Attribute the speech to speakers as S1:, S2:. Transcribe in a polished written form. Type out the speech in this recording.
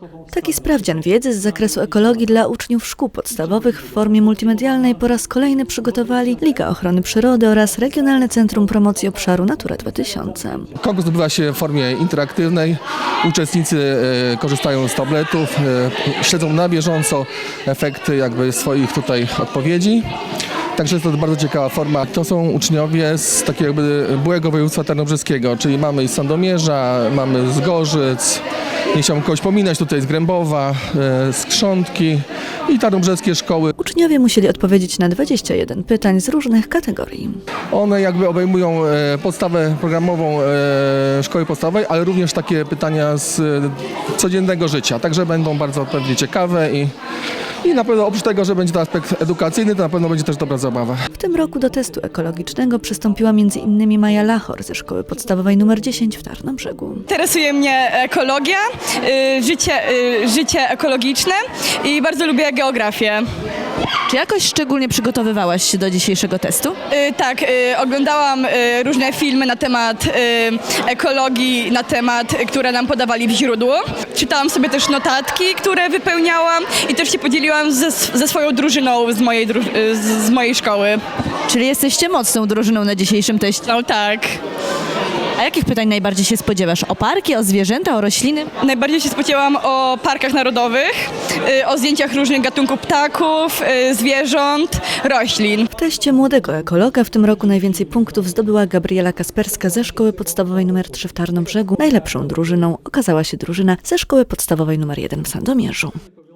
S1: Taki sprawdzian wiedzy z zakresu ekologii dla uczniów szkół podstawowych w formie multimedialnej po raz kolejny przygotowali Liga Ochrony Przyrody oraz Regionalne Centrum Promocji Obszaru Natura 2000.
S2: Konkurs odbywa się w formie interaktywnej. Uczestnicy korzystają z tabletów, śledzą na bieżąco efekty swoich tutaj odpowiedzi. Także jest to bardzo ciekawa forma. To są uczniowie z takiego byłego województwa tarnobrzeskiego, czyli mamy z Sandomierza, mamy z Gorzyc, nie chciałbym kogoś pominąć, tutaj z Grębowa, z Krzątki i tarnobrzeskie szkoły.
S1: Uczniowie musieli odpowiedzieć na 21 pytań z różnych kategorii.
S2: One obejmują podstawę programową szkoły podstawowej, ale również takie pytania z codziennego życia. Także będą bardzo pewnie ciekawe i na pewno oprócz tego, że będzie to aspekt edukacyjny, to na pewno będzie też dobra zabawa.
S1: W tym roku do testu ekologicznego przystąpiła m.in. Maja Lachor ze Szkoły Podstawowej nr 10 w Tarnobrzegu.
S3: Interesuje mnie ekologia, życie ekologiczne i bardzo lubię geografię.
S4: Czy jakoś szczególnie przygotowywałaś się do dzisiejszego testu?
S3: Tak, oglądałam różne filmy na temat ekologii, które nam podawali w źródło. Czytałam sobie też notatki, które wypełniałam i też się podzieliłam ze swoją drużyną z mojej szkoły.
S4: Czyli jesteście mocną drużyną na dzisiejszym teście.
S3: No tak.
S4: A jakich pytań najbardziej się spodziewasz? O parki, o zwierzęta, o rośliny?
S3: Najbardziej się spodziewałam o parkach narodowych, o zdjęciach różnych gatunków ptaków, zwierząt, roślin.
S1: W teście młodego ekologa w tym roku najwięcej punktów zdobyła Gabriela Kasperska ze Szkoły Podstawowej nr 3 w Tarnobrzegu. Najlepszą drużyną okazała się drużyna ze Szkoły Podstawowej nr 1 w Sandomierzu.